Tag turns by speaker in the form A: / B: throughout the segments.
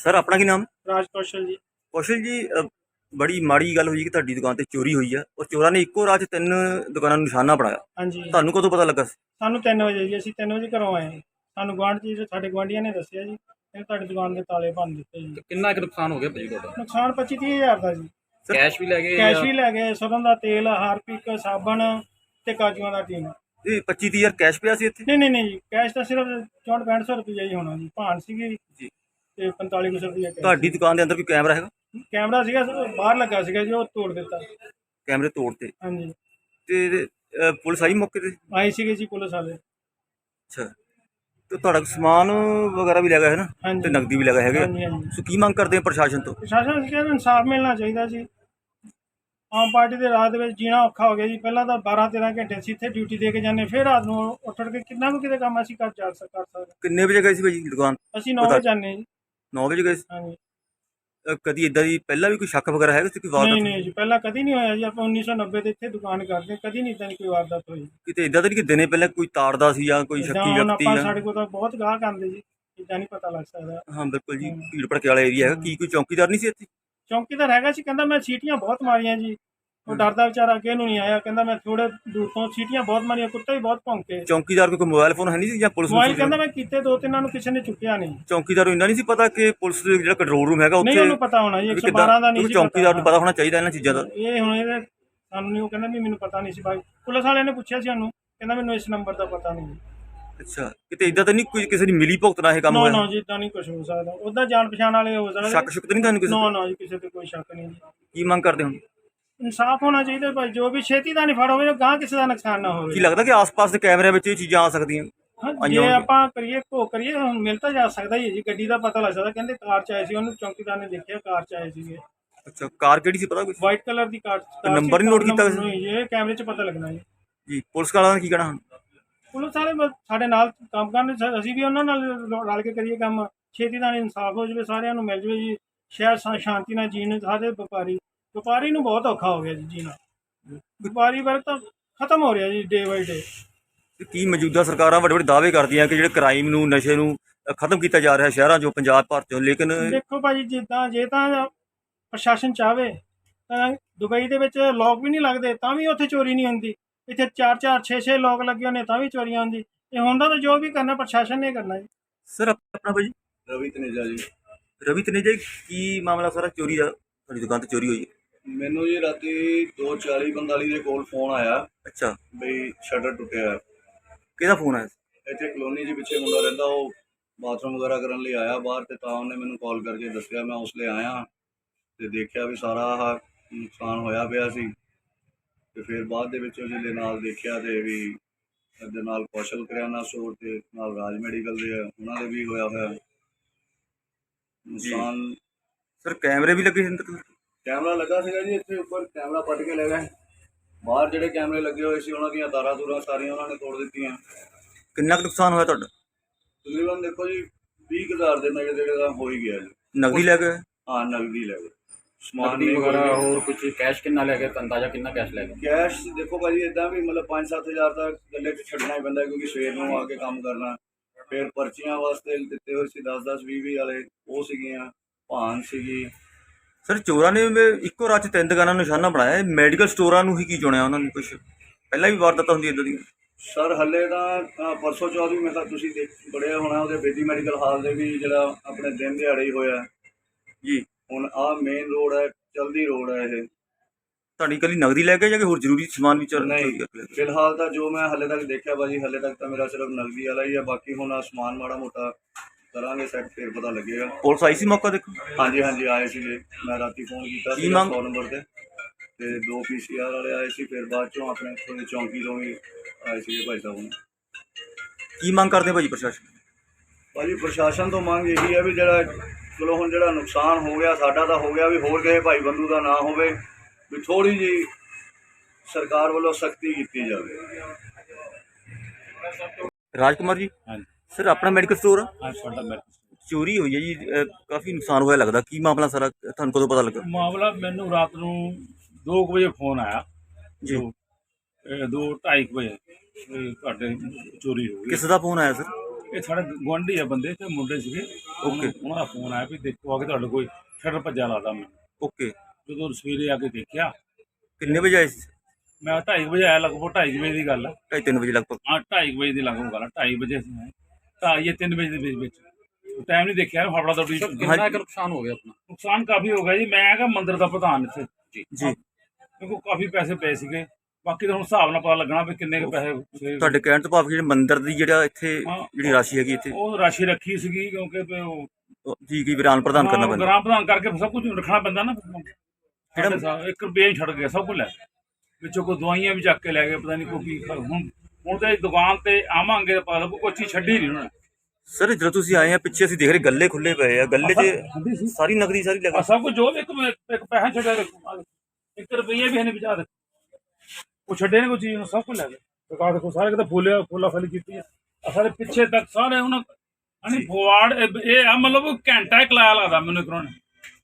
A: Sir ਆਪਣਾ ਕੀ ਨਾਮ?
B: ਰਾਜ ਕੌਸ਼ਲ ਜੀ।
A: ਕੌਸ਼ਲ ਜੀ, ਬੜੀ ਮਾੜੀ ਗੱਲ ਹੋਈ ਕਿ ਤੁਹਾਡੀ ਦੁਕਾਨ ਤੇ ਚੋਰੀ ਹੋਈ ਆ ਔਰ ਚੋਰਾਂ ਨੇ ਇੱਕੋ ਰਾਤ 'ਚ 3 ਦੁਕਾਨਾਂ ਨੂੰ ਨਿਸ਼ਾਨਾ ਬਣਾਇਆ।
B: ਹਾਂਜੀ,
A: ਤੁਹਾਨੂੰ ਕਦੋਂ ਪਤਾ ਲੱਗਾ ਸੀ?
B: ਸਾਨੂੰ 3 ਵਜੇ ਜੀ, ਅਸੀਂ 3 ਵਜੇ ਘਰੋਂ ਆਏ। ਸਾਨੂੰ ਗੁਆਂਢ 'ਚ ਸਾਡੇ ਗੁਆਂਢੀਆਂ ਨੇ ਦੱਸਿਆ ਜੀ, ਇਹ ਤੁਹਾਡੀ ਦੁਕਾਨ ਦੇ ਤਾਲੇ ਭੰਨ ਦਿੱਤੇ ਜੀ।
C: ਕਿੰਨਾ ਕੁ ਨੁਕਸਾਨ ਹੋ ਗਿਆ ਭਾਜੀ ਤੁਹਾਡਾ?
B: ਨੁਕਸਾਨ 25-30 ਹਜ਼ਾਰ ਦਾ ਜੀ।
C: ਕੈਸ਼ ਵੀ ਲੈ ਗਏ
B: ਕੈਸ਼ ਵੀ ਲੈ ਗਏ, ਸਰੋਂ ਦਾ ਤੇਲ, ਹਾਰਪਿਕ, ਸਾਬਣ ਤੇ ਕਾਜੂਆਂ ਦਾ ਟੀਨ।
A: ਇਹ 25-30 ਹਜ਼ਾਰ ਕੈਸ਼ ਪਿਆ ਸੀ ਇੱਥੇ?
B: ਨਹੀਂ ਜੀ, ਕੈਸ਼ ਤਾਂ ਸਿਰਫ 64-6500 ਰੁਪਈਆ ਹੀ ਹੋਣਾ ਜੀ। ਭਾਨ ਸੀਗੀ
A: ਜੀ।
B: ਤੇ 4500 ਰੁਪਈਆ ਕੈਸ਼।
A: ਤੁਹਾਡੀ ਦੁਕਾਨ ਦੇ ਅੰਦਰ ਕੋਈ ਕੈਮਰਾ ਹੈਗਾ?
B: ਕੈਮਰਾ ਸੀਗਾ, ਬਾਹਰ ਲੱਗਾ ਸੀਗਾ ਜੀ, ਉਹ ਤੋੜ ਦਿੱਤਾ।
A: ਕੈਮਰੇ ਤੋੜਤੇ
B: ਹਾਂਜੀ,
A: ਤੇ ਪੁਲਿਸ ਆਈ ਮੌਕੇ ਤੇ?
B: ਆਏ ਸੀਗੇ ਜੀ ਪੁਲਿਸ ਵਾਲੇ।
A: ਅੱਛਾ, ਤੇ ਤੁਹਾਡਾ ਸਮਾਨ ਵਗੈਰਾ ਵੀ ਲੱਗਾ ਹੈ ਨਾ?
B: ਹਾਂਜੀ।
A: ਤੇ ਨਕਦੀ ਵੀ ਲੱਗਾ ਹੈਗਾ।
B: ਹਾਂਜੀ।
A: ਸੋ ਕੀ ਮੰਗ ਕਰਦੇ ਆ ਪ੍ਰਸ਼ਾਸਨ ਤੋਂ?
B: ਪ੍ਰਸ਼ਾਸਨ ਨੂੰ ਕਹਿੰਦਾ ਇਨਸਾਫ ਮਿਲਣਾ ਚਾਹੀਦਾ ਜੀ। ਆਮ ਪਾਰਟੀ ਦੇ ਰਾਤ ਦੇ ਵਿੱਚ ਜੀਣਾ ਔਖਾ ਹੋ ਗਿਆ ਜੀ। ਪਹਿਲਾਂ ਤਾਂ 12-13 ਘੰਟੇ ਅਸੀਂ ਇੱਥੇ ਡਿਊਟੀ ਦੇ ਕੇ ਜਾਂਦੇ, ਫਿਰ ਰਾਤ ਨੂੰ ਉੱਠ ਕੇ ਕਿੰਨਾ ਕੁ ਕਿਤੇ ਕੰਮ ਅਸੀਂ ਕਰ ਸਕਦੇ।
A: ਕਿੰਨੇ ਵਜੇ ਗਏ ਸੀ ਭਾਜੀ ਦੁਕਾਨ?
B: ਅਸੀਂ 9 ਵਜੇ ਜਾਂਦੇ ਜੀ।
A: 9 ਵਜੇ ਗਏ ਸੀ?
B: ਹਾਂਜੀ।
A: ਕਦੀ ਇਦਾਂ ਦੀ ਪਹਿਲਾਂ ਵੀ ਕੋਈ ਸ਼ੱਕ ਵਗੈਰਾ ਹੈਗਾ ਸੀ? ਕੋਈ ਵਾਰਦਾਤ
B: ਨਹੀਂ ਜੀ, ਪਹਿਲਾਂ ਕਦੀ ਨਹੀਂ ਹੋਇਆ ਜੀ। ਆਪਾਂ 1990 ਦੇ ਇੱਥੇ ਦੁਕਾਨ ਕਰਦੇ, ਕਦੀ ਨਹੀਂ ਇਦਾਂ ਦੀ ਕੋਈ ਵਾਰਦਾਤ ਹੋਈ।
A: ਕਿਤੇ ਇਦਾਂ ਤਾਂ ਨਹੀਂ ਕਿ ਦਿਨੇ ਪਹਿਲਾਂ ਕੋਈ ਤਾੜਦਾ ਸੀ ਜਾਂ ਕੋਈ
B: ਏਦਾਂ
A: ਸ਼ੱਕੀ
B: ਹੁਣ
A: ਵਿਅਕਤੀ
B: ਆਪਾਂ
A: ਜਾਂ?
B: ਸਾਡੇ ਕੋਲ ਤਾਂ ਬਹੁਤ ਗਾਹਕ ਆਉਂਦੇ ਜੀ, ਇਦਾਂ ਨਹੀਂ ਪਤਾ ਲੱਗ ਸਕਦਾ।
A: ਹਾਂ ਬਿਲਕੁਲ ਜੀ, ਭੀੜ ਭੜਕੇ ਵਾਲਾ ਏਰੀਆ ਹੈਗਾ। ਕੀ ਕੋਈ ਚੌਕੀਦਾਰ ਨਹੀਂ ਸੀ ਇੱਥੇ?
B: ਚੌਂਕੀਦਾਰ ਹੈਗਾ ਸੀ, ਕਹਿੰਦਾ ਮੈਂ ਸੀਟੀਆਂ ਬਹੁਤ ਮਾਰੀਆਂ ਜੀ। ਉਹ ਡਰਦਾ ਵਿਚਾਰਾ ਅੱਗੇ ਨੂੰ ਨਹੀਂ ਆਇਆ, ਕਹਿੰਦਾ ਮੈਂ ਥੋੜੇ ਦੂਰ ਤੋਂ ਸੀਟੀਆਂ ਬਹੁਤ ਮਾਰੀਆਂ, ਕੁੱਤੇ ਵੀ ਬਹੁਤ ਭੌਂਕੇ।
A: ਚੌਕੀਦਾਰ ਕੋਲ ਕੋਈ ਮੋਬਾਈਲ ਫੋਨ ਹੈ ਨਹੀਂ ਸੀ ਜਾਂ ਪੁਲਿਸ ਨੂੰ?
B: ਮੋਬਾਈਲ ਕਹਿੰਦਾ ਮੈਂ ਕੀਤੇ 2-3 ਨੂੰ, ਕਿਸੇ ਨੇ ਚੁੱਕਿਆ ਨਹੀਂ।
A: ਚੌਕੀਦਾਰ ਨੂੰ ਇੰਨਾ ਨਹੀਂ ਸੀ ਪਤਾ ਕਿ ਪੁਲਿਸ ਦੇ ਜਿਹੜਾ ਕੰਟਰੋਲ ਰੂਮ ਹੈਗਾ
B: ਨਹੀਂ,
A: ਉੱਥੇ?
B: ਉਹਨੂੰ ਪਤਾ ਹੋਣਾ ਜੀ, 112 ਦਾ ਨਹੀਂ ਸੀ।
A: ਚੌਕੀਦਾਰ ਨੂੰ ਪਤਾ ਹੋਣਾ ਚਾਹੀਦਾ ਇਹਨਾਂ ਚੀਜ਼ਾਂ ਦਾ।
B: ਇਹ ਹੁਣ ਇਹਦੇ ਸਾਨੂੰ ਨਹੀਂ, ਉਹ ਕਹਿੰਦਾ ਵੀ ਮੈਨੂੰ ਪਤਾ ਨਹੀਂ ਸੀ ਭਾਈ। ਪੁਲਿਸ ਵਾਲਿਆਂ ਨੇ ਪੁੱਛਿਆ ਸੀ ਸਾਨੂੰ, ਕਹਿੰਦਾ ਮੈਨੂੰ ਇਸ ਨੰਬਰ ਦਾ ਪਤਾ ਨਹੀਂ।
A: ਅੱਛਾ, ਕਿਤੇ ਇਦਾਂ ਤਾਂ ਨਹੀਂ ਕੋਈ ਕਿਸੇ ਦੀ ਮਿਲੀ ਭੁਗਤ ਨਾਲ ਇਹ ਕੰਮ
B: ਨਾ
A: ਹੋਇਆ?
B: ਜੀ, ਇਦਾਂ ਨਹੀਂ ਕੁਝ ਹੋ ਸਕਦਾ। ਉਹਦਾ ਜਾਣ ਪਛਾਣ ਵਾਲੇ ਹੋ ਸਕਦੇ।
A: ਸ਼ੱਕ ਸ਼ੁਕ ਤਾਂ ਨਹੀਂ ਤੁਹਾਨੂੰ ਕਿਸੇ?
B: ਨਾ ਜੀ, ਕਿਸੇ ਤੇ ਕੋਈ ਸ਼ੱਕ ਨਹੀਂ ਜੀ।
A: ਕੀ ਮੰਗ ਕਰਦੇ ਹੋ?
B: ਇਨਸਾਫ ਹੋਣਾ ਚਾਹੀਦਾ ਭਾਈ, ਜੋ ਵੀ ਛੇਤੀ ਦਾ ਨਹੀਂ ਫੜ ਹੋਵੇ, ਗਾਂ ਕਿਸੇ ਦਾ ਨੁਕਸਾਨ ਨਾ
A: ਕੀ
B: ਹੋਵੇ।
A: ਲੱਗਦਾ ਕਿ ਆਸ-ਪਾਸ ਦੇ ਕੈਮਰਿਆਂ ਵਿੱਚ ਇਹ ਚੀਜ਼ਾਂ ਆ ਸਕਦੀਆਂ?
B: ਜੇ ਆਪਾਂ ਕਰੀਏ ਕਰੀਏ, ਹੁਣ ਮਿਲ ਤਾਂ ਜਾ ਸਕਦਾ ਹੀ ਹੈ ਜੀ। ਗੱਡੀ ਦਾ ਪਤਾ ਲੱਗ ਸਕਦਾ, ਕਹਿੰਦੇ ਕਾਰ 'ਚ ਆਏ ਸੀ, ਉਹਨੂੰ ਚੌਕੀਦਾਰ ਨੇ ਦੇਖਿਆ ਕਾਰ 'ਚ ਆਏ ਸੀਗੇ।
A: ਅੱਛਾ, ਕਾਰ ਕਿਹੜੀ ਸੀ ਪਤਾ ਕੁਝ?
B: ਵਾਈਟ ਕਲਰ ਦੀ ਕਾਰ।
A: ਨੰਬਰ ਨਹੀਂ ਨੋਟ ਕੀਤਾ ਕਿਸੇ?
B: ਨਹੀਂ, ਇਹ ਕੈਮਰੇ 'ਚ ਪਤਾ ਲੱਗਣਾ ਜੀ।
A: ਜੀ, ਪੁਲਿਸ ਵਾਲਿਆਂ ਨੇ ਕੀ ਕਹਿਣਾ ਹੁਣ?
B: ਪੁਲਿਸ ਵਾਲੇ ਸਾਡੇ ਨਾਲ ਕੰਮ ਕਰਨ, ਅਸੀਂ ਵੀ ਉਹਨਾਂ ਨਾਲ ਰਲ ਕੇ ਕਰੀਏ ਕੰਮ। ਛੇਤੀ ਨਾਲ ਇਨਸਾਫ ਹੋ ਜਾਵੇ, ਸਾਰਿਆਂ ਨੂੰ ਮਿਲ ਜਾਵੇ ਜੀ। ਸ਼ਹਿਰ ਸ਼ਾਂਤੀ ਨਾਲ ਜੀਣ। ਸਾਰੇ ਵਪਾਰੀ ਨੂੰ ਬਹੁਤ ਔਖਾ ਹੋ ਗਿਆ ਜੀ ਜੀਣਾ। ਵਪਾਰੀ ਵਰਗ ਤਾਂ ਖਤਮ ਹੋ ਰਿਹਾ ਜੀ ਡੇ ਬਾਈ ਡੇ।
A: ਕੀ ਮੌਜੂਦਾ ਸਰਕਾਰਾਂ ਵੱਡੇ ਵੱਡੇ ਦਾਅਵੇ ਕਰਦੀਆਂ ਕਿ ਜਿਹੜੇ ਕ੍ਰਾਈਮ ਨੂੰ, ਨਸ਼ੇ ਨੂੰ ਖਤਮ ਕੀਤਾ ਜਾ ਰਿਹਾ ਸ਼ਹਿਰਾਂ 'ਚੋਂ, ਪੰਜਾਬ ਭਰ 'ਚੋਂ, ਲੇਕਿਨ
B: ਦੇਖੋ ਭਾਜੀ, ਜੇ ਤਾਂ ਪ੍ਰਸ਼ਾਸਨ ਚਾਹਵੇ ਤਾਂ ਦੁਬਈ ਦੇ ਵਿੱਚ ਲੋਕ ਵੀ ਨਹੀਂ ਲੱਗਦੇ, ਤਾਂ ਵੀ ਉੱਥੇ ਚੋਰੀ ਨਹੀਂ ਹੁੰਦੀ। ਇੱਥੇ 4-4 6-6 ਲੋਕ ਲੱਗੇ ਹੋਣੇ, ਤਾਂ ਵੀ ਚੋਰੀਆਂ ਹੁੰਦੀ। ਇਹ ਹੁੰਦਾ ਤਾਂ ਜੋ ਵੀ ਕਰਨਾ ਪ੍ਰਸ਼ਾਸਨ ਨੇ ਕਰਨਾ ਜੀ।
A: ਸਰ ਆਪਣਾ ਭਾਜੀ?
D: ਰਵੀ ਤਨੇਜਾ ਜੀ।
A: ਰਵੀ ਤਨੇਜਾ ਜੀ, ਕੀ ਮਾਮਲਾ ਸਾਰਾ ਚੋਰੀ ਦਾ? ਤੁਹਾਡੀ ਦੁਕਾਨ ਤੇ ਚੋਰੀ ਹੋਈ ਹੈ?
D: ਮੈਨੂੰ ਜੀ ਰਾਤੀ 2:40-45 ਦੇ ਕੋਲ ਫੋਨ ਆਇਆ
A: ਅੱਛਾ,
D: ਬਈ ਸ਼ਟਰ ਟੁੱਟਿਆ ਹੈ।
A: ਕਿਹਦਾ ਫੋਨ ਆਇਆ ਸੀ?
D: ਇੱਥੇ ਕਲੋਨੀ 'ਚ ਪਿੱਛੇ ਮੁੰਡਾ ਰਹਿੰਦਾ, ਉਹ ਬਾਥਰੂਮ ਵਗੈਰਾ ਕਰਨ ਲਈ ਆਇਆ ਬਾਹਰ, ਤੇ ਤਾਂ ਉਹਨੇ ਮੈਨੂੰ ਕਾਲ ਕਰਕੇ ਦੱਸਿਆ। ਮੈਂ ਉਸ ਲਈ ਆਇਆ ਤੇ ਦੇਖਿਆ ਵੀ ਸਾਰਾ ਆਹ ਨੁਕਸਾਨ ਹੋਇਆ ਪਿਆ ਸੀ। ਤੇ ਫਿਰ ਬਾਅਦ ਦੇ ਵਿੱਚ ਉਹਦੇ ਨਾਲ ਦੇਖਿਆ ਤੇ ਵੀ ਇਹਦੇ ਨਾਲ ਕੌਸ਼ਲ ਕਰਿਆਨਾ ਸਟੋਰ ਤੇ ਨਾਲ ਰਾਜ ਮੈਡੀਕਲ ਦੇ ਆ, ਉਹਨਾਂ ਦੇ ਵੀ ਹੋਇਆ ਹੋਇਆ ਨੁਕਸਾਨ।
A: ਸਰ ਕੈਮਰੇ ਵੀ ਲੱਗੇ ਸੀ ਅੰਦਰ?
D: ਕੈਮਰਾ ਲੱਗਾ ਸੀਗਾ ਜੀ, ਇੱਥੇ ਉੱਪਰ ਕੈਮਰਾ ਪੱਟ ਕੇ ਲੈ ਗਏ। ਬਾਹਰ ਜਿਹੜੇ ਕੈਮਰੇ ਲੱਗੇ ਹੋਏ ਸੀ, ਉਹਨਾਂ ਦੀਆਂ ਤਾਰਾਂ ਤੂਰਾਂ ਸਾਰੀਆਂ ਉਹਨਾਂ ਨੇ ਤੋੜ ਦਿੱਤੀਆਂ।
A: ਕਿੰਨਾ ਕੁ ਨੁਕਸਾਨ ਹੋਇਆ ਤੁਹਾਡਾ?
D: ਤਕਰੀਬਨ ਦੇਖੋ ਜੀ 20,000 ਦੇ ਨੇੜੇ ਤੇੜੇ ਦਾ ਹੋ ਹੀ ਗਿਆ ਜੀ।
A: ਨਕਦੀ ਲੈ ਗਏ?
D: ਹਾਂ, ਨਗਦੀ ਲੈ ਗਏ। ਸਮਾਨ
C: ਨਕਦੀ
D: ਨਹੀਂ
C: ਵਗੈਰਾ
D: ਵਗੈਰਾ
C: ਹੋਰ ਕੁਝ ਕੈਸ਼ ਕਿੰਨਾ ਲੈ ਗਏ? ਅੰਦਾਜ਼ਾ ਕਿੰਨਾ ਕੈਸ਼ ਲੈ ਗਏ?
D: ਕੈਸ਼ ਦੇਖੋ ਭਾਜੀ, ਇਦਾਂ ਵੀ ਮਤਲਬ 5-7 ਹਜ਼ਾਰ ਤਾਂ ਗੱਲੇ 'ਚ ਛੱਡਣਾ ਹੀ ਪੈਂਦਾ, ਕਿਉਂਕਿ ਸਵੇਰ ਨੂੰ ਆ ਕੇ ਕੰਮ ਕਰਨਾ। ਫਿਰ ਪਰਚੀਆਂ ਵਾਸਤੇ ਦਿੱਤੇ ਹੋਏ ਸੀ 10-10, 20-20 ਵਾਲੇ, ਉਹ ਸੀਗੀਆਂ। ਭਾਨ ਸੀਗੀ।
A: ਸਰ ਚੋਰਾਂ ਨੇ ਇੱਕੋ ਰਾਤ 'ਚ 3 ਦੁਕਾਨਾਂ ਨੂੰ ਨਿਸ਼ਾਨਾ ਬਣਾਇਆ। ਮੈਡੀਕਲ ਸਟੋਰਾਂ ਨੂੰ ਹੀ ਕੀ ਚੁਣਿਆ ਉਹਨਾਂ ਨੇ? ਕੁਛ ਪਹਿਲਾਂ ਵੀ ਵਾਰਦਾਤਾਂ ਹੁੰਦੀਆਂ ਇੱਦਾਂ ਦੀਆਂ?
D: ਸਰ ਹੱਲੇ ਤਾਂ ਪਰਸੋਂ ਚੌਥ ਵੀ ਮੈਂ ਤਾਂ ਤੁਸੀਂ ਬੜਿਆ ਹੋਣਾ ਉਹਦੇ ਬੇਦੀ ਮੈਡੀਕਲ ਹਾਲ ਦੇ ਵੀ, ਜਿਹੜਾ ਆਪਣੇ ਦਿਨ ਦਿਹਾੜੇ ਹੀ ਹੋਇਆ
A: ਜੀ।
D: ਹੁਣ ਆਹ ਮੇਨ ਰੋਡ ਹੈ, ਚਲਦੀ ਰੋਡ ਹੈ ਇਹ।
A: ਤੁਹਾਡੀ ਇਕੱਲੀ ਨਗਦੀ ਲੈ ਕੇ ਜਾਂ ਕਿ ਹੋਰ ਜ਼ਰੂਰੀ ਸਮਾਨ ਵੀ ਚੋਰੀ
D: ਨਹੀਂ,
A: ਕਰਕੇ?
D: ਫਿਲਹਾਲ ਤਾਂ ਜੋ ਮੈਂ ਹੱਲੇ ਤੱਕ ਦੇਖਿਆ ਭਾਜੀ, ਹੱਲੇ ਤੱਕ ਤਾਂ ਮੇਰਾ ਸਿਰਫ ਨਗਦੀ ਵਾਲਾ ਹੀ ਆ। ਬਾਕੀ ਹੁਣ ਆਹ ਸਮਾਨ ਮਾੜਾ ਮੋਟਾ ਕਰਾਂਗੇ ਸੈੱਟ, ਫਿਰ ਪਤਾ ਲੱਗੇਗਾ।
A: ਪੁਲਿਸ ਆਈ ਸੀ ਮੌਕਾ ਦੇਖੋ?
D: ਹਾਂਜੀ ਆਏ ਸੀਗੇ। ਮੈਂ ਰਾਤੀ ਫੋਨ ਕੀਤਾ ਸੀ 100 ਨੰਬਰ ਤੇ 2 PCR ਵਾਲੇ ਆਏ ਸੀ। ਫਿਰ ਬਾਅਦ ਚੋਂ ਆਪਣੇ ਥੋੜੇ ਚੌਂਕੀ ਤੋਂ ਵੀ ਆਏ ਸੀਗੇ ਭਾਈ ਸਾਹਿਬ।
A: ਕੀ ਮੰਗ ਕਰਦੇ ਭਾਜੀ ਪ੍ਰਸ਼ਾਸਨ?
D: ਭਾਜੀ ਪ੍ਰਸ਼ਾਸਨ ਤੋਂ ਮੰਗ ਇਹੀ ਹੈ ਵੀ ਜਿਹੜਾ ਚਲੋ ਹੁਣ ਜਿਹੜਾ ਨੁਕਸਾਨ ਹੋ ਗਿਆ ਸਾਡਾ ਤਾਂ ਹੋ ਗਿਆ, ਵੀ ਹੋਰ ਕਿਸੇ ਭਾਈ ਬੰਦੂ ਦਾ ਨਾ ਹੋਵੇ, ਵੀ ਥੋੜ੍ਹੀ ਜਿਹੀ ਸਰਕਾਰ ਵੱਲੋਂ ਸਖਤੀ ਕੀਤੀ ਜਾਵੇ।
A: ਰਾਜਕੁਮਾਰ ਜੀ?
C: ਹਾਂਜੀ
A: ਸਰ ਆਪਣਾ ਮੈਡੀਕਲ ਸਟੋਰ ਆ?
C: ਹਾਂ, ਸਾਡਾ ਮੈਡੀਕਲ
A: ਚੋਰੀ ਹੋਈ ਹੈ ਜੀ, ਕਾਫੀ ਨੁਕਸਾਨ ਹੋਇਆ ਲੱਗਦਾ। ਕੀ ਮਾਮਲਾ ਸਾਰਾ, ਤੁਹਾਨੂੰ ਕਦੋਂ ਪਤਾ ਲੱਗਾ?
E: ਮਾਮਲਾ ਮੈਨੂੰ ਰਾਤ ਨੂੰ 2 ਵਜੇ ਫੋਨ ਆਇਆ
A: ਜੀ।
E: 2-2:30 ਵਜੇ ਤੁਹਾਡੇ ਚੋਰੀ ਹੋ ਗਈ।
A: ਕਿਸ ਦਾ ਫੋਨ ਆਇਆ ਸਰ?
E: ਇਹ ਸਾਡੇ ਗੁਆਂਢੀ ਆ ਬੰਦੇ ਤੇ ਮੁੰਡੇ ਸੀਗੇ। ਉਹਨਾਂ ਦਾ ਫੋਨ ਆਇਆ ਵੀ ਦੇਖੋ ਆ ਕੇ ਤੁਹਾਡੇ ਕੋਈ ਸ਼ਟਰ ਭੱਜਾ ਲਾਦਾ ਮੈਂ।
A: ਓਕੇ,
E: ਜਦੋਂ ਸਵੇਰੇ ਆ ਕੇ ਦੇਖਿਆ,
A: ਕਿੰਨੇ ਵਜੇ ਆਏ ਸੀ?
E: ਮੈਂ 2:30 ਵਜੇ ਆਇਆ, ਲਗਭਗ 2:30 ਵਜੇ ਦੀ ਗੱਲ ਆ।
A: 2:30 ਵਜੇ ਲਗਭਗ।
E: ਹਾਂ 2:30 ਵਜੇ ਦੀ ਲਗਭਗ ਗੱਲ ਆ। 2:30 ਵਜੇ ਅਸੀਂ ਆਏ, 2:30 ਜਾਂ 3 ਵਜੇ ਦੇ ਵਿੱਚ ਟਾਈਮ ਨਹੀਂ ਦੇਖਿਆ, ਫੜਫੜਾ ਦੌੜੀ।
C: ਕਿੰਨਾ ਕੁ ਨੁਕਸਾਨ ਹੋ ਗਿਆ ਆਪਣਾ?
E: ਨੁਕਸਾਨ ਕਾਫੀ ਹੋ ਗਿਆ ਜੀ। ਮੈਂ ਹੈਗਾ ਮੰਦਿਰ ਦਾ ਪ੍ਰਧਾਨ ਇੱਥੇ
A: ਜੀ,
E: ਕਿਉਂਕਿ ਕਾਫੀ ਪੈਸੇ ਪਏ ਸੀਗੇ। ਬਾਕੀ ਤਾਂ ਹੁਣ ਹਿਸਾਬ ਨਾਲ ਪਤਾ ਲੱਗਣਾ ਵੀ ਕਿੰਨੇ ਕੁ ਪੈਸੇ।
A: ਤੁਹਾਡੇ ਕਹਿਣ ਤੋਂ ਭਾਵ ਜਿਹੜੇ ਮੰਦਿਰ ਦੀ ਜਿਹੜਾ ਇੱਥੇ ਜਿਹੜੀ ਰਾਸ਼ੀ ਹੈਗੀ ਇੱਥੇ,
E: ਉਹ ਰਾਸ਼ੀ ਰੱਖੀ ਸੀਗੀ ਕਿਉਂਕਿ ਵੀ ਉਹ
A: ਜੀ ਕੀ ਵਿਰਾਨ ਪ੍ਰਦਾਨ ਕਰਨਾ ਪੈਂਦਾ।
E: ਗ੍ਰਾਮ ਪ੍ਰਧਾਨ ਕਰਕੇ ਸਭ ਕੁਝ ਰੱਖਣਾ ਪੈਂਦਾ ਨਾ। ਜਿਹੜਾ 1 ਰੁਪਏ ਨਹੀਂ ਛੱਡ ਗਿਆ, ਸਭ ਕੁਝ ਲੈ ਗਏ। ਵਿੱਚੋਂ ਕੋਈ ਦਵਾਈਆਂ ਵੀ ਚੱਕ ਕੇ ਲੈ ਗਏ, ਪਤਾ ਨਹੀਂ ਕੋਈ ਕੀ। ਹੁਣ ਤੇ ਦੁਕਾਨ ਤੇ ਆਵਾਂਗੇ ਤਾਂ ਪਤਾ ਲੱਗੂ ਕੋਈ ਚੀਜ਼ ਛੱਡੀ ਨਹੀਂ ਉਹਨਾਂ ਨੇ।
A: ਸਰ ਜਦੋਂ ਤੁਸੀਂ ਆਏ ਆ ਪਿੱਛੇ ਅਸੀਂ ਦੇਖ ਰਹੇ ਗੱਲੇ ਖੁੱਲੇ ਪਏ ਆ, ਗੱਲੇ 'ਚ ਸਾਰੀ ਨਗਦੀ ਸਾਰੀ ਲੱਗਾ।
E: ਸਭ ਕੁਝ ਜੋ ਇੱਕ ਪੈਸਾ ਛੱਡਿਆ, 1 ਰੁਪਈਆ ਵੀ ਹੈ ਨਹੀਂ ਵਿਚਾਰ। ਉਹ ਛੱਡੇ ਨੇ ਕੋਈ ਚੀਜ਼, ਸਭ ਕੁਝ ਲੈ ਗਏ। ਦੁਕਾਨ ਦੇਖੋ ਸਾਰੇ ਕਿਤੇ ਫੁੱਲਾ ਫਲੀ ਕੀਤੀ ਆ ਸਾਰੇ ਪਿੱਛੇ ਤੱਕ ਸਾਰੇ ਉਹਨਾਂ ਫੋਵਾਰਡ। ਇਹ ਆ ਮਤਲਬ ਘੰਟਾ ਇੱਕ ਲਾਇਆ ਲੱਗਦਾ ਮੈਨੂੰ ਇੱਕ ਨੇ।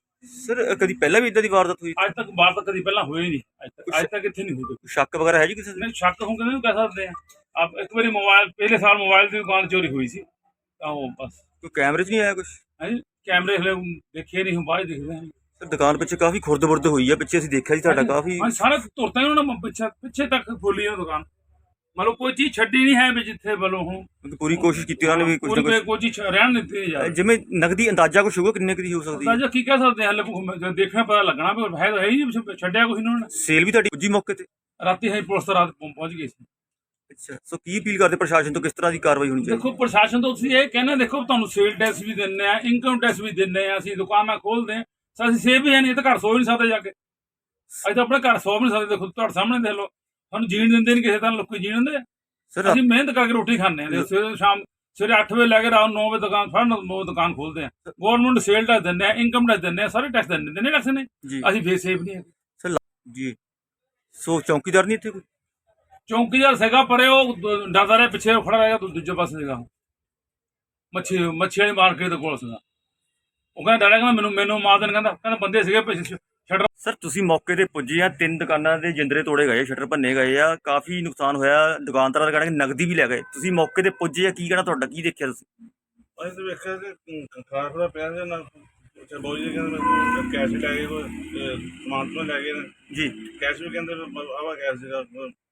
A: ਸਰ ਕਦੀ ਪਹਿਲਾਂ ਵੀ ਇਦਾਂ ਦੀ ਵਾਰਦਾਤ ਹੋਈ?
E: ਅੱਜ ਤੱਕ ਬਾਤ ਤਾਂ ਕਦੀ ਪਹਿਲਾਂ ਹੋਈ ਨਹੀਂ। ਅੱਜ ਤੱਕ ਇੱਥੇ ਨਹੀਂ ਹੋਈ।
A: ਸ਼ੱਕ ਵਗੈਰਾ ਹੈ ਜੀ ਕਿਸੇ ਦੇ?
E: ਨਹੀਂ, ਸ਼ੱਕ ਹੋਊਗਾ ਨਹੀਂ ਕਹਿ ਸਕਦੇ ਆ। ਆਪ ਇੱਕ ਵਾਰੀ ਪਹਿਲੇ ਸਾਲ ਮੋਬਾਈਲ ਦੀ ਦੁਕਾਨ ਚੋਰੀ ਹੋਈ ਸੀ, ਤਾਂ ਉਹ ਬਸ।
A: ਕੋਈ ਕੈਮਰੇ 'ਚ ਨਹੀਂ ਆਇਆ ਕੁਝ?
E: ਹਾਂਜੀ, ਕੈਮਰੇ ਹਲੇ ਦੇਖੇ ਨਹੀਂ, ਹੁਣ ਬਾਅਦ ਦੇਖਦੇ ਹਾਂ।
A: ਸਰ ਦੁਕਾਨ ਪਿੱਛੇ ਕਾਫੀ ਖੁਰਦ-ਬੁਰਦ ਹੋਈ ਆ, ਪਿੱਛੇ ਅਸੀਂ ਦੇਖਿਆ ਜੀ ਤੁਹਾਡਾ ਕਾਫੀ।
E: ਹਾਂ ਸਾਰਾ ਤੁਰਤਾ ਹੀ ਉਹਨਾਂ ਨੇ ਪਿੱਛੇ ਤੱਕ ਖੋਲੀ ਉਹ ਦੁਕਾਨ। ਮਤਲਬ ਕੋਈ ਚੀਜ਼ ਛੱਡੀ ਨਹੀਂ ਹੈ ਵੀ ਜਿੱਥੇ ਵੱਲੋਂ ਹੁਣ
A: ਪੂਰੀ ਕੋਸ਼ਿਸ਼ ਕੀਤੀ ਉਹਨਾਂ ਨੇ ਵੀ ਕੁਝ ਨਾ ਕੁਝ।
E: ਕੋਈ ਚੀਜ਼ ਰਹਿਣ ਨਹੀਂ ਦਿੱਤੀ ਯਾਰ।
A: ਜਿਵੇਂ ਨਗਦੀ ਅੰਦਾਜ਼ਾ ਕੁਝ ਹੋਊਗਾ ਕਿੰਨੇ ਦੀ ਹੋ ਸਕਦੀ ਹੈ?
E: ਅੰਦਾਜ਼ਾ ਕੀ ਕਹਿ ਸਕਦੇ ਹਾਂ, ਹਲੇ ਦੇਖਣਾ ਪਤਾ ਲੱਗਣਾ ਵੀ ਹੈ ਤਾਂ ਹੈ ਹੀ ਨਹੀਂ, ਛੱਡਿਆ ਕੁਛ ਇਹਨਾਂ ਨੇ।
A: ਸੇਲ ਵੀ ਤੁਹਾਡੀ ਪੁੱਜੀ ਮੌਕੇ ਤੇ?
E: ਰਾਤੀ ਹੈ ਪੁਲਿਸ ਤਾਂ ਰਾਤ ਪਹੁੰਚ ਗਈ ਸੀ।
A: ਅੱਛਾ, ਸੋ ਕੀ ਅਪੀਲ ਕਰਦੇ ਪ੍ਰਸ਼ਾਸਨ ਤੋਂ, ਕਿਸ ਤਰ੍ਹਾਂ ਦੀ ਕਾਰਵਾਈ ਹੋਣੀ ਚਾਹੀਦੀ?
E: ਦੇਖੋ ਪ੍ਰਸ਼ਾਸਨ ਤੋਂ ਤੁਸੀਂ ਇਹ ਕਹਿੰਦੇ, ਦੇਖੋ ਤੁਹਾਨੂੰ ਸੇਲ ਟੈਕਸ ਵੀ ਦਿੰਦੇ ਆ, ਇਨਕਮ ਟੈਕਸ ਵੀ ਦਿੰਦੇ ਆ, ਅਸੀਂ ਦੁਕਾਨਾਂ ਖੋਲਦੇ ਆ, ਅਸੀਂ ਸੇਵ ਵੀ ਹੈ ਨਹੀਂ, ਇਹ ਤਾਂ ਘਰ ਸੋ ਵੀ ਨਹੀਂ ਸਕਦੇ ਜਾ ਕੇ। ਅਸੀਂ ਤਾਂ ਆਪਣੇ ਘਰ ਸੋ ਵੀ ਨਹੀਂ ਸਕਦੇ। ਦੇਖੋ ਤੁਹਾਡੇ ਸਾਹਮਣੇ ਦੇਖ ਲਓ, ਸਾਨੂੰ ਜੀਣ ਦਿੰਦੇ ਨਹੀਂ ਕਿਸੇ ਤਰ੍ਹਾਂ, ਲੋਕੀ ਜੀਣ ਦਿੰਦੇ।
A: ਸਰ
E: ਅਸੀਂ ਮਿਹਨਤ ਕਰਕੇ ਰੋਟੀ ਖਾਂਦੇ ਆ। ਸਵੇਰੇ 8 ਵਜੇ ਲੈ ਕੇ ਰਾਤ 9 ਵਜੇ ਦੁਕਾਨ ਫੜਨ, 9 ਦੁਕਾਨ ਖੋਲਦੇ ਆ। ਗਵਰਨਮੈਂਟ ਸੇਲ ਟੈਕਸ ਦਿੰਦੇ ਆ, ਇਨਕਮ ਟੈਕਸ ਦਿੰਦੇ ਆ, ਸਾਰੇ ਟੈਕਸ ਦਿੰਦੇ ਨੇ, ਟੈਕਸ ਨੇ।
A: ਜੀ
E: ਅਸੀਂ ਫੇਰ ਸੇਫ ਨਹੀਂ ਹੈਗੇ।
A: ਸਰ ਜੀ, ਸੋ ਚੌਕੀਦਾਰ ਨਹੀਂ ਇੱਥੇ ਕੋਈ?
E: ਚੌਂਕੀਦਾਰ ਸੀਗਾ ਪਰ ਉਹ ਡਰਦਾ ਰਿਹਾ, ਪਿੱਛੇ ਖੜਾ ਰਿਹਾ, ਦੂਜੇ ਪਾਸੇ ਸੀਗਾ। ਮੱਛੀ ਵਾਲੀ ਮਾਰਕੀਟ ਦੇ ਕੋਲ ਸੀਗਾ। ਉਹ ਕਹਿੰਦਾ ਡਰਿਆ, ਕਹਿੰਦਾ ਮੈਨੂੰ ਮਾਰ ਦੇਣ। ਕਹਿੰਦਾ ਬੰਦੇ ਸੀਗੇ ਪਿੱਛੇ ਸ਼ਟਰ।
A: ਸਰ ਤੁਸੀਂ ਮੌਕੇ ਤੇ ਪੁੱਜੇ ਆ, 3 ਦੁਕਾਨਾਂ ਦੇ ਜਿੰਦਰੇ ਤੋੜੇ ਗਏ, ਸ਼ਟਰ ਭੰਨੇ ਗਏ ਆ, ਕਾਫੀ ਨੁਕਸਾਨ ਹੋਇਆ। ਦੁਕਾਨਦਾਰਾਂ ਦਾ ਕਹਿਣਾ ਕਿ ਨਗਦੀ ਵੀ ਲੈ ਗਏ। ਤੁਸੀਂ ਮੌਕੇ ਤੇ ਪੁੱਜੇ ਆ, ਕੀ ਕਹਿਣਾ ਤੁਹਾਡਾ, ਕੀ ਦੇਖਿਆ ਤੁਸੀਂ?
F: ਅਸੀਂ ਤਾਂ ਵੇਖਿਆ ਕਿ ਖਾਣਾ ਖੁਣਾ ਪਿਆ ਸੀ ਨਾ। ਅੱਛਾ ਬਾਊ ਜੀ ਕਹਿੰਦੇ ਮੈਨੂੰ ਕੈਸ਼ ਵੀ ਲੈ ਗਏ, ਕੋਈ ਸਮਾਨ ਤੋਂ ਲੈ ਗਏ ਨੇ
A: ਜੀ।
F: ਕੈਸ਼ ਵੀ ਕਹਿੰਦੇ ਆਵਾ ਕੈਸ਼ ਸੀਗਾ।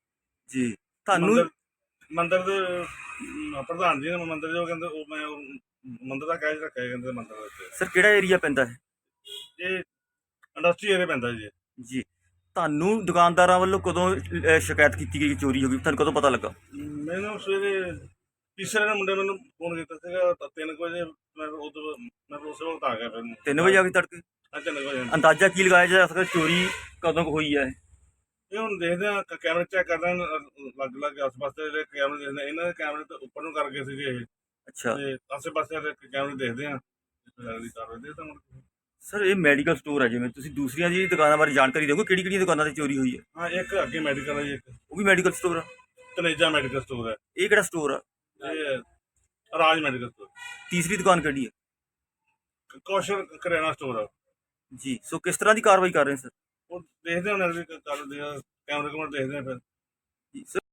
A: ਜੀ ਤੁਹਾਨੂੰ
F: ਮੰਦਰ ਦੇ ਪ੍ਰਧਾਨ ਜੀ ਨੇ ਮੰਦਰ ਜੋ ਕਹਿੰਦੇ ਉਹ ਮੈਂ ਮੰਦਰ ਦਾ ਕੈਸ਼ ਰੱਖਿਆ ਕਹਿੰਦੇ ਮੰਦਰ ਦੇ ਵਿੱਚ।
A: ਸਰ ਕਿਹੜਾ ਏਰੀਆ ਪੈਂਦਾ ਹੈ?
F: ਇਹ ਇੰਡਸਟਰੀ ਏਰੀਆ ਪੈਂਦਾ ਜੀ।
A: ਜੀ, ਤੁਹਾਨੂੰ ਦੁਕਾਨਦਾਰਾਂ ਵੱਲੋਂ ਕਦੋਂ ਸ਼ਿਕਾਇਤ ਕੀਤੀ ਗਈ ਕਿ ਚੋਰੀ ਹੋ ਗਈ? ਤੁਹਾਨੂੰ ਕਦੋਂ ਪਤਾ ਲੱਗਾ?
F: ਮੈਨੂੰ ਸਵੇਰੇ ਤੀਸਰੇ ਨੇ ਮੁੰਡੇ ਮੈਨੂੰ ਫੋਨ ਕੀਤਾ ਸੀਗਾ 3 ਵਜੇ। ਮੈਂ ਉਸੇ ਵਕਤ ਆ ਗਿਆ। ਫਿਰ
A: 3 ਵਜੇ ਆ ਕੇ ਤੜਕੇ?
F: 3 ਵਜੇ।
A: ਅੰਦਾਜ਼ਾ ਕੀ ਲਗਾਇਆ ਜਾ ਸਕਦਾ ਚੋਰੀ ਕਦੋਂ ਕੁ ਹੋਈ ਹੈ?
F: ਇਹ ਹੁਣ ਦੇਖਦੇ ਆ, ਕੈਮਰੇ ਚੈੱਕ ਕਰਦੇ ਆ, ਲੱਗ ਆਸ-ਪਾਸ ਦੇ ਜਿਹੜੇ ਕੈਮਰੇ ਦੇਖਦੇ ਆ। ਇਹਨਾਂ ਦੇ ਕੈਮਰੇ ਤੇ ਉੱਪਰ ਨੂੰ ਕਰਕੇ ਸੀਗੇ ਇਹ,
A: ਅੱਛਾ।
F: ਤੇ ਆਸੇ-ਪਾਸੇ ਦੇ ਕੈਮਰੇ ਦੇਖਦੇ ਆ, ਲੱਗਦੀ ਕਾਰਵਾਈ ਦੇ ਤਾਂ।
A: ਸਰ ਇਹ ਮੈਡੀਕਲ ਸਟੋਰ ਹੈ, ਜਿਵੇਂ ਤੁਸੀਂ ਦੂਸਰੀਆਂ ਜੀ ਦੁਕਾਨਾਂ ਬਾਰੇ ਜਾਣਕਾਰੀ ਦਿਓਗੇ, ਕਿਹੜੀ-ਕਿਹੜੀਆਂ ਦੁਕਾਨਾਂ ਤੇ ਚੋਰੀ ਹੋਈ ਹੈ?
F: ਹਾਂ, ਇੱਕ ਅੱਗੇ ਮੈਡੀਕਲ ਹੈ ਜੀ, ਇੱਕ
A: ਉਹ ਵੀ ਮੈਡੀਕਲ ਸਟੋਰ ਆ?
F: ਤਨੇਜਾ ਮੈਡੀਕਲ ਸਟੋਰ ਹੈ।
A: ਇਹ ਕਿਹੜਾ ਸਟੋਰ ਆ?
F: ਇਹ ਰਾਜ ਮੈਡੀਕਲ ਸਟੋਰ।
A: ਤੀਸਰੀ ਦੁਕਾਨ ਕਿਹੜੀ ਹੈ?
F: ਕੌਸ਼ਲ ਕਰਿਆਨਾ ਸਟੋਰ ਆ
A: ਜੀ। ਸੋ ਕਿਸ ਤਰ੍ਹਾਂ ਦੀ ਕਾਰਵਾਈ ਕਰ ਰਹੇ ਸਰ?
F: ਉਹ ਦੇਖਦੇ ਹਾਂ ਅਗਲੀ ਕਰਦੇ ਆ, ਕੈਮਰੇ ਦੇਖਦੇ ਆ ਫਿਰ।
A: ਜੀ ਸਰ।